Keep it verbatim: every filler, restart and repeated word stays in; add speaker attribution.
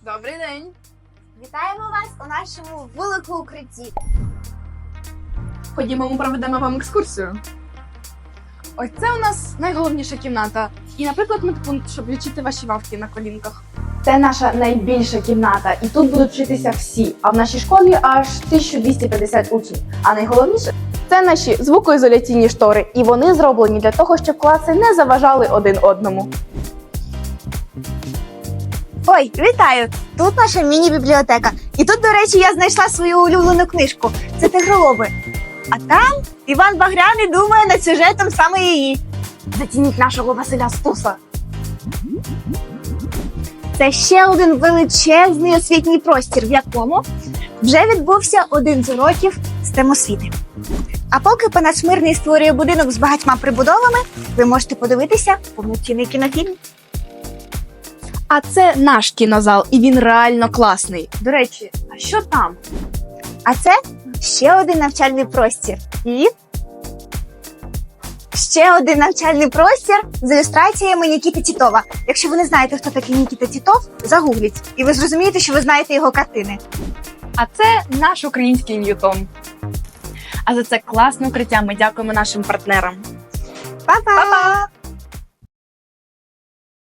Speaker 1: Добрий день!
Speaker 2: Вітаємо вас у нашому великому укритті.
Speaker 1: Ходімо, ми проведемо вам екскурсію. Ось це у нас найголовніша кімната. І, наприклад, медпункт, щоб лічити ваші вавки на колінках. Це наша найбільша кімната, і тут будуть вчитися всі. А в нашій школі аж тисяча двісті п'ятдесят учнів. А найголовніше – це наші звукоізоляційні штори. І вони зроблені для того, щоб класи не заважали один одному.
Speaker 2: Ой, вітаю! Тут наша міні-бібліотека. І тут, до речі, я знайшла свою улюблену книжку. Це «Тигролоби». А там Іван Багряний думає над сюжетом саме її.
Speaker 1: Зацініть нашого Василя Стуса.
Speaker 2: Це ще один величезний освітній простір, в якому вже відбувся один з уроків з тем освіти. А поки пан Мирний створює будинок з багатьма прибудовами, ви можете подивитися повноцінний кінофільм.
Speaker 1: А це наш кінозал, і він реально класний. До речі, а що там?
Speaker 2: А це ще один навчальний простір. І ще один навчальний простір з ілюстраціями Нікіти Тітова. Якщо ви не знаєте, хто такий Нікіта Тітов, загугліть. І ви зрозумієте, що ви знаєте його картини.
Speaker 1: А це наш український Ньютон. А за це класне укриття ми дякуємо нашим партнерам.
Speaker 2: Па-па!